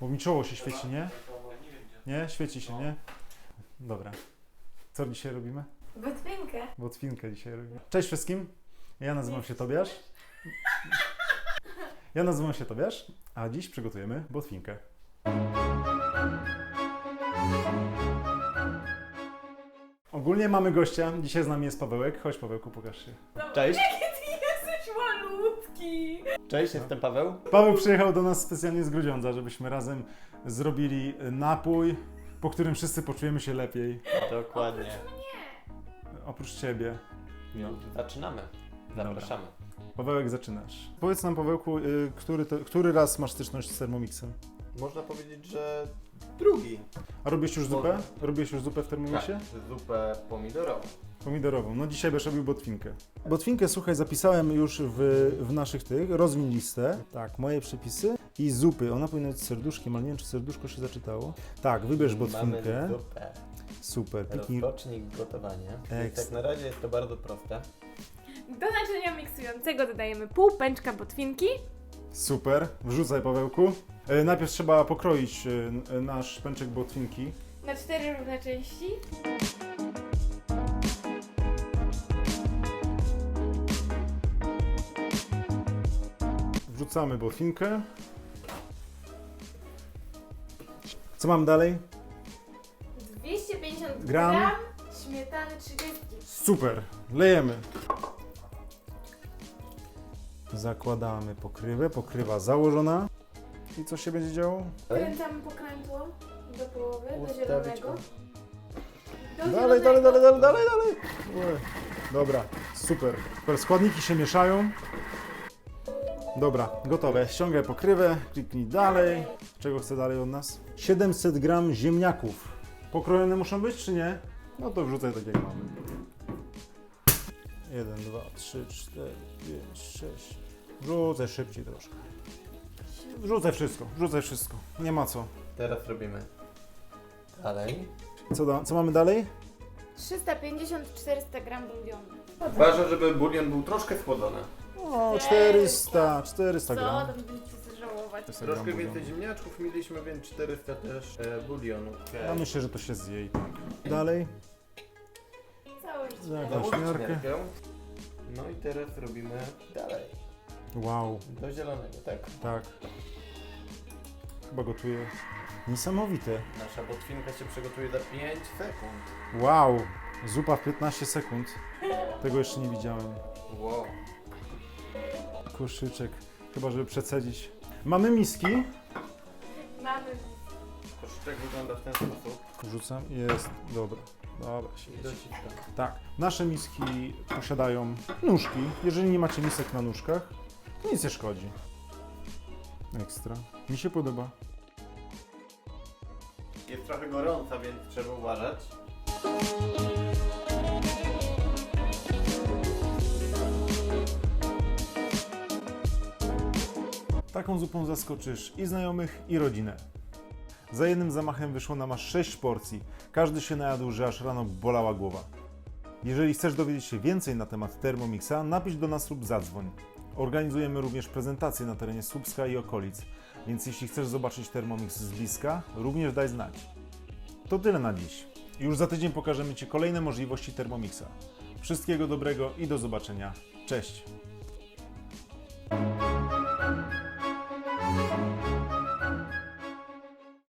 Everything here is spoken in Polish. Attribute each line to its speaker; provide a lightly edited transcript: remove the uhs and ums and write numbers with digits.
Speaker 1: Bo mi czoło się świeci, nie? Nie? Świeci się, nie? Dobra. Co dzisiaj robimy?
Speaker 2: Botwinkę.
Speaker 1: Botwinkę dzisiaj robimy. Cześć wszystkim. Ja nazywam się Tobiasz. Ja nazywam się Tobiasz, a dziś przygotujemy botwinkę. Ogólnie mamy gościa. Dzisiaj z nami jest Pawełek. Chodź Pawełku, pokaż się.
Speaker 3: Cześć.
Speaker 2: Ty jesteś malutki.
Speaker 3: Cześć, jestem Paweł.
Speaker 1: Paweł przyjechał do nas specjalnie z Grudziądza, żebyśmy razem zrobili napój, po którym wszyscy poczujemy się lepiej.
Speaker 3: Dokładnie.
Speaker 1: Oprócz Ciebie.
Speaker 3: No, zaczynamy. Zapraszamy.
Speaker 1: Pawełek, zaczynasz. Powiedz nam, Pawełku, który raz masz styczność z Thermomixem?
Speaker 3: Można powiedzieć, że drugi.
Speaker 1: A robisz już zupę? Robisz już zupę w Thermomixie?
Speaker 3: Zupę pomidorową.
Speaker 1: Pomidorową. No dzisiaj będziesz robił botwinkę. Botwinkę, słuchaj, zapisałem już w naszych tych. Rozwiń listę. Tak, moje przepisy. I zupy. Ona powinna być z serduszkiem, ale nie wiem, czy serduszko się zaczytało. Tak, wybierz botwinkę.
Speaker 3: Mamy zupę.
Speaker 1: Super. Piknij.
Speaker 3: Rozpocznij gotowanie. Więc
Speaker 1: Ekstra.
Speaker 3: tak na razie jest to bardzo proste.
Speaker 2: Do naczynia miksującego dodajemy pół pęczka botwinki.
Speaker 1: Super. Wrzucaj, Pawełku. Najpierw trzeba pokroić nasz pęczek botwinki.
Speaker 2: Na 4 równe części.
Speaker 1: Wrzucamy botwinkę. Co mam dalej?
Speaker 2: 250
Speaker 1: Gram.
Speaker 2: gram śmietany 30.
Speaker 1: Super. Lejemy. Zakładamy pokrywę. Pokrywa założona. I co się będzie działo?
Speaker 2: Kręcamy pokrętło do połowy, do
Speaker 3: Ustawić
Speaker 2: zielonego.
Speaker 3: go.
Speaker 2: Do
Speaker 1: Dalej. Ue. Dobra, super. Super. Składniki się mieszają. Dobra, gotowe. Ściągaj pokrywę, kliknij dalej. Czego chce dalej od nas? 700 gram ziemniaków. Pokrojone muszą być, czy nie? No to wrzucaj tak jak mamy. 1, 2, 3, 4, 5, 6. Wrzucaj szybciej troszkę. Wrzucaj wszystko. Nie ma co.
Speaker 3: Teraz robimy dalej.
Speaker 1: Co mamy dalej?
Speaker 2: 350-400 gram bulionu.
Speaker 3: Ważne, żeby bulion był troszkę schłodzony.
Speaker 1: O, 400
Speaker 2: Co
Speaker 1: gram.
Speaker 2: tam będziecie żałować?
Speaker 3: Troszkę więcej ziemniaczków mieliśmy, więc 400 też bulionu.
Speaker 1: Ja myślę, że to się zje i tak. Dalej.
Speaker 2: Całe
Speaker 1: Jakąś
Speaker 3: Założyć
Speaker 1: miarkę.
Speaker 3: miarkę. No i teraz robimy dalej.
Speaker 1: Wow,
Speaker 3: Do zielonego, tak?
Speaker 1: tak. Chyba gotuję. Niesamowite.
Speaker 3: Nasza botwinka się przygotuje za 5 sekund.
Speaker 1: Wow, zupa w 15 sekund. Tego jeszcze nie widziałem.
Speaker 3: Wow.
Speaker 1: Koszyczek, chyba żeby przecedzić. Mamy miski.
Speaker 2: Mamy.
Speaker 3: Koszyczek wygląda w ten sposób.
Speaker 1: Wrzucam, jest, dobra. Dobra, się
Speaker 3: Dociskam.
Speaker 1: Tak, nasze miski posiadają nóżki. Jeżeli nie macie misek na nóżkach, to nic nie szkodzi. Ekstra. Mi się podoba.
Speaker 3: Jest trochę gorąca, więc trzeba uważać.
Speaker 1: Taką zupą zaskoczysz i znajomych, i rodzinę. Za jednym zamachem wyszło nam aż 6 porcji. Każdy się najadł, że aż rano bolała głowa. Jeżeli chcesz dowiedzieć się więcej na temat Thermomixa, napisz do nas lub zadzwoń. Organizujemy również prezentacje na terenie Słupska i okolic, więc jeśli chcesz zobaczyć Thermomix z bliska, również daj znać. To tyle na dziś. Już za tydzień pokażemy Ci kolejne możliwości Thermomixa. Wszystkiego dobrego i do zobaczenia. Cześć!